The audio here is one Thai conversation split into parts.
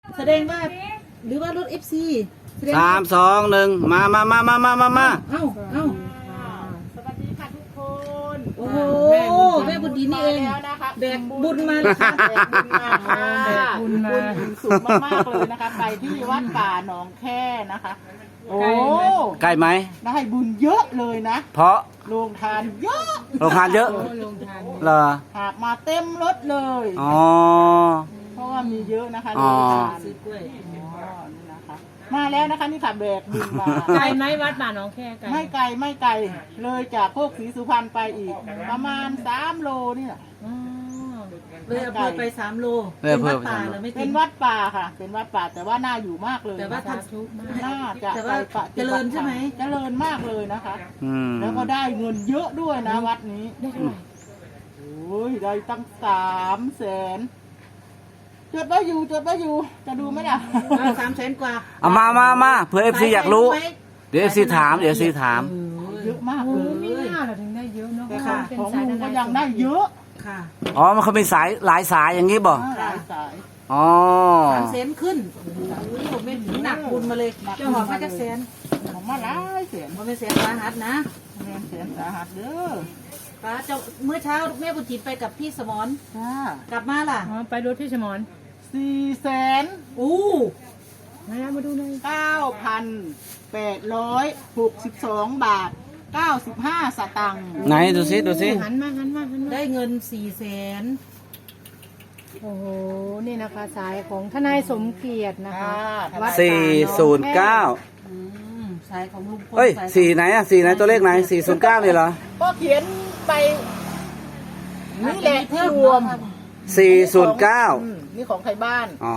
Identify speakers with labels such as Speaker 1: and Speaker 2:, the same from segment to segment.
Speaker 1: แสดงว่าหรือว่ารถ FC
Speaker 2: 3 2 1มา
Speaker 1: เอ้า
Speaker 3: สวัสดีค่ะทุกคน
Speaker 1: โอ้โหแม่บุญดีนี่เอง
Speaker 3: แล้วนะคะ
Speaker 1: แบกบุญมาเลยค่ะ
Speaker 3: แบกบุญมาค่ะบุญสูงมากๆเลยนะคะ ไปที่วัดป่าหนองแค่นะคะ โอ้
Speaker 2: ใกล้ไหม
Speaker 3: ได้บุญเยอะเลยนะ
Speaker 2: เพราะ
Speaker 3: โรงทานเยอะ
Speaker 2: โรงทานเยอะเหรอ
Speaker 3: หาบมาเต็มรถเลย
Speaker 2: อ๋อ
Speaker 3: เพราะว่ามีเยอะนะคะ
Speaker 2: อ๋
Speaker 3: โร
Speaker 2: อ
Speaker 3: งทาน
Speaker 1: ซื้อกล้วย
Speaker 3: นี่นะคะมาแล้วนะคะนี่ค่ะแบกบุญมา
Speaker 4: ไกลไหมวัดป่าหนองแค่ไกล
Speaker 3: ไม่ไกลไม่ไกลเลยจากโคกศรีสุพรรณไปอีก ประมาณ3 โลนี่แหละ
Speaker 4: อ๋อ
Speaker 1: เลยอำเภอไป3 โล
Speaker 2: เลยอำเภอ
Speaker 1: วัดป่า
Speaker 2: ไป3 โล
Speaker 1: เลยไม่
Speaker 3: เป็
Speaker 1: ถึ
Speaker 3: น
Speaker 1: ง
Speaker 3: วัดป่าค่ะ เป็นวัดป่าแต่ว่าน่าอยู่มากเลย
Speaker 1: แต่ว่า
Speaker 3: นะคะ
Speaker 1: ทำ
Speaker 3: น่าจะ
Speaker 1: แต่
Speaker 3: ไป
Speaker 1: ว่า
Speaker 3: ปฏิบัติ
Speaker 1: เจริญใช่ไหม
Speaker 3: เจริญมากเลยนะคะ
Speaker 2: อืม
Speaker 3: แล้วก็ได้เงินเยอะด้วยนะวัดนี้
Speaker 4: ได้เท่าไหร่
Speaker 3: โอ้ยได้ตั้ง300,000จดไว้อยู่จะดูไหมล่ะ
Speaker 1: 300,000 กว่า
Speaker 2: เอามาเผื่อ FC อยากรู้ เดี๋ยว FC ถาม
Speaker 3: เยอะมาก
Speaker 4: โอ้
Speaker 3: เลย
Speaker 4: ไม่น่าเราถึงได้เยอะเนาะ
Speaker 3: แต่
Speaker 4: เพราะ
Speaker 3: ของ
Speaker 4: ว่าเป็น
Speaker 3: ของ
Speaker 4: สาย
Speaker 3: ลุงก็
Speaker 4: ทนาย
Speaker 3: ยังได้เยอะ
Speaker 1: ค่ะ
Speaker 2: อ๋อ มันเขามีสายหลายสายอย่างนี้บ่
Speaker 3: หลายสาย
Speaker 2: อ๋อ
Speaker 1: 300,000ขึ้นโอ้โหไม่ถึงหนักบุญมาเลยเจ้าหอมมาจากแสน
Speaker 3: ของมาหลายแสน
Speaker 1: มันเป็นแสนสาหัสนะ
Speaker 3: แสนสาหัสเด้อ
Speaker 1: ป้าเจ้าเมื่อเช้าแม่บุญจิตไปกับพี่สมร
Speaker 3: จ้าก
Speaker 1: ลับมาล่ะ
Speaker 4: อ๋อไปรถพี่สมร
Speaker 3: 400,000
Speaker 1: อู้
Speaker 4: มาดูหน่อย
Speaker 3: 9,862 บาท 95 สตังค์
Speaker 2: ไหนดูซิ
Speaker 4: หันมา
Speaker 1: ได้เงิน400,000
Speaker 4: โอ้โหนี่นะคะสายของทนายสมเกียรตินะคะ วัด
Speaker 2: 409
Speaker 1: สายของลุงพล
Speaker 2: เอ้ย
Speaker 1: สาย
Speaker 2: 4ไหนอะ4ไหนตัวเลขไหน409นี่เหรอ
Speaker 3: ก็เขียนไปนี่แหละที่รวม
Speaker 2: 409
Speaker 3: นี่ของใครบ้าน
Speaker 2: อ๋อ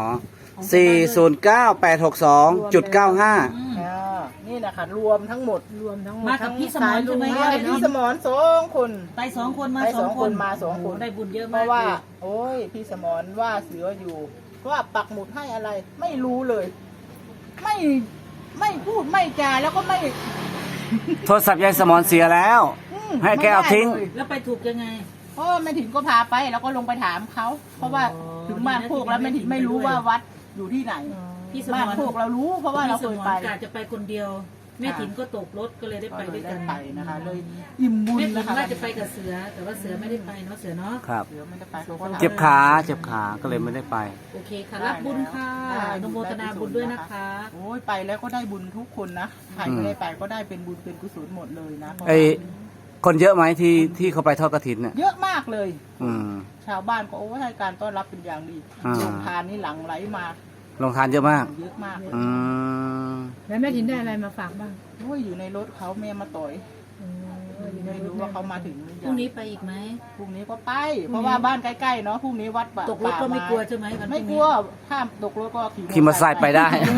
Speaker 2: 409,862.95
Speaker 3: นี่นะคะรวมทั้งหมด
Speaker 4: รวมทั้งหมด
Speaker 1: มากับพี่สมรใช่ไหม
Speaker 3: มากับพี่สมร2 คน
Speaker 1: ไป2 คนมา
Speaker 3: ไป
Speaker 1: 2
Speaker 3: 2 คนมา 2 คน
Speaker 1: โอ้ได้บุญเยอะ
Speaker 3: เพ
Speaker 1: มาก
Speaker 3: ราะว่า
Speaker 1: เลย
Speaker 3: โอ้ยพี่สมรว่าเสืออยู่ว่าปักหมุดให้อะไร ไม่รู้เลย ไม่พูดไม่จาแล้วก็ไม่
Speaker 2: โทรศัพท์ยายสมรเสียแล้ว ให้แกเอาทิ้ง
Speaker 3: ไม่ได้ลย
Speaker 1: แล้วไปถูกยังไง
Speaker 3: เพราะว่าแม่ถิ่นก็พาไปแล้วก็ลงไปถามเขาเพราะว่า
Speaker 1: อ๋อ
Speaker 3: ถึงบ้านโคกแล้วแม่ถิ่นไม่รู้ว่าวัดอยู่ที่ไหน
Speaker 1: พี่สม
Speaker 3: บ้าน
Speaker 1: ร
Speaker 3: โคกเรารู้เพราะว่าเราเคยไป
Speaker 1: พี่สมรกะจะไปคนเดียว แม่ถิ่นก็ตกรถก็เลยได้ไปด้วยกัน
Speaker 3: ไปนะคะ เลยอิ่มบุญ
Speaker 1: แม่ถิ่
Speaker 3: นะ
Speaker 1: น
Speaker 3: คะ
Speaker 1: ว่าจะไปกับเสือ แต่ว่าเสือไม่ได้ไปเนาะเสือเนาะ
Speaker 2: ครับ
Speaker 3: เสือไม่ได้ไปเขาก็ถาม
Speaker 2: เจ็บขาก็เลยไม่ได้ไป
Speaker 1: โอเคค่ะรับบุญค่ะอนุโมทนาบุญด้วยนะคะ
Speaker 3: โอ้ยไปแล้วก็ได้บุญทุกคนนะใครไม่ได้ไปก็ได้เป็นบุญเป็นกุศลหมดเลยนะ
Speaker 2: ไอคนเยอะไหมที่เขาไปทอดกฐินเนี่ย
Speaker 3: เยอะมากเลย
Speaker 2: อืม
Speaker 3: ชาวบ้านก็โอ้ให้การต้อนรับเป็นอย่างดี
Speaker 2: อ่า
Speaker 3: โรงทานนี่หลังไหลมา
Speaker 2: ลงทานเยอะมาก
Speaker 3: เยอะมากเลย
Speaker 2: อืม
Speaker 4: แล้วแม่ถินได้อะไรมาฝากบ้าง
Speaker 3: โอ้ยอยู่ในรถเขาแม่มาต่อยไม่รู้ว่าเขามาถึงหรือ
Speaker 1: พ
Speaker 3: ยั
Speaker 1: รุ่ง
Speaker 3: ง
Speaker 1: นี้ไปอีกไหม
Speaker 3: พรุ่งนี้ก็ไป เพราะว่าบ้านใกล้ๆเนาะพรุ่งนี้วัดป่า
Speaker 1: ตกรถก็ไม่กลัว
Speaker 3: ป่า
Speaker 1: ใช่ไหมวันพ
Speaker 3: ไม่
Speaker 1: รุ่ง
Speaker 3: ก
Speaker 1: นี้
Speaker 3: ลัวข้ามตกรถก็
Speaker 2: ขี่มอเตอร์ไซค์ไปได้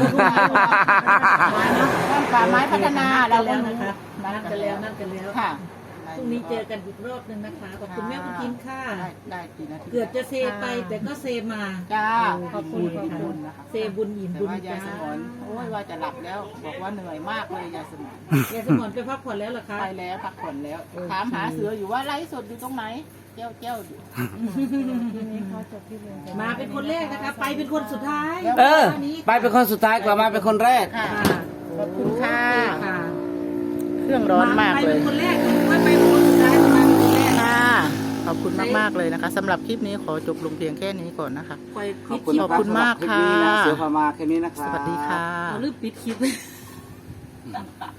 Speaker 3: บ้านป่าไม้พัฒนา
Speaker 1: นั
Speaker 3: เรา
Speaker 1: ด
Speaker 3: ก็
Speaker 1: กัน
Speaker 3: รู้
Speaker 1: แล้วนัดกันแล้ว
Speaker 3: ค่ะ
Speaker 1: พรุ่งนี้เจอกันอีกรอบหนึ่งนะคะขอบคุณแม่บุญทินค่ะ
Speaker 3: ได้กี่นาที
Speaker 1: เกือบจะเซไปแต่ก็เซมา
Speaker 3: จ้า
Speaker 1: ขอบคุณ
Speaker 3: ขอบ
Speaker 1: ค่ะ
Speaker 3: คุณนะคะ
Speaker 1: เซบุญอิ่ม
Speaker 3: แต่
Speaker 1: บุญ
Speaker 3: ว่ายาย
Speaker 1: จ้า
Speaker 3: สมรโอ้ยว่าจะหลับแล้ว บอกว่าเหนื่อยมากเลยยายสมร
Speaker 1: ยายสมรไปพักผ่อนแล้วเหรอคะ
Speaker 3: ไปแล้วพักผ่อนแล้ว ถามหาเสืออยู่ว่าไลฟ์สดอยู่ตรงไหนเจ้าอยู่
Speaker 4: ทีนี้เขาจบที่เรียน
Speaker 1: มาเป็นคนแรกนะคะ ไปเป็นคนสุดท้าย
Speaker 2: เออ ไปเป็นคนสุดท้ายกว่ามาเป็นคนแรก
Speaker 3: ค่ะ
Speaker 1: ค่ะ
Speaker 3: ขอบคุณค่ะ
Speaker 1: ค่ะ
Speaker 3: เครื่องร้อนมาก
Speaker 1: ไป
Speaker 3: เล
Speaker 1: เป็
Speaker 3: ย
Speaker 1: นคนแรกไม่ไปเป็นคนสุดท้ายมาเป็นคนแรก
Speaker 3: ค่ะขอบคุณมากๆเลยนะคะสำหรับคลิปนี้ขอจบลงเพียงแค่นี้ก่อนนะคะ
Speaker 1: ปล่อย
Speaker 2: ขอ
Speaker 1: ปิ
Speaker 2: บ
Speaker 1: ด
Speaker 2: คุณ
Speaker 1: คลิป
Speaker 3: ขอบคุณมากค่ะ
Speaker 2: เสือพามาแค่นี้นะครับ
Speaker 3: สวัสดีค่ะ
Speaker 1: เอาลืมปิดคลิป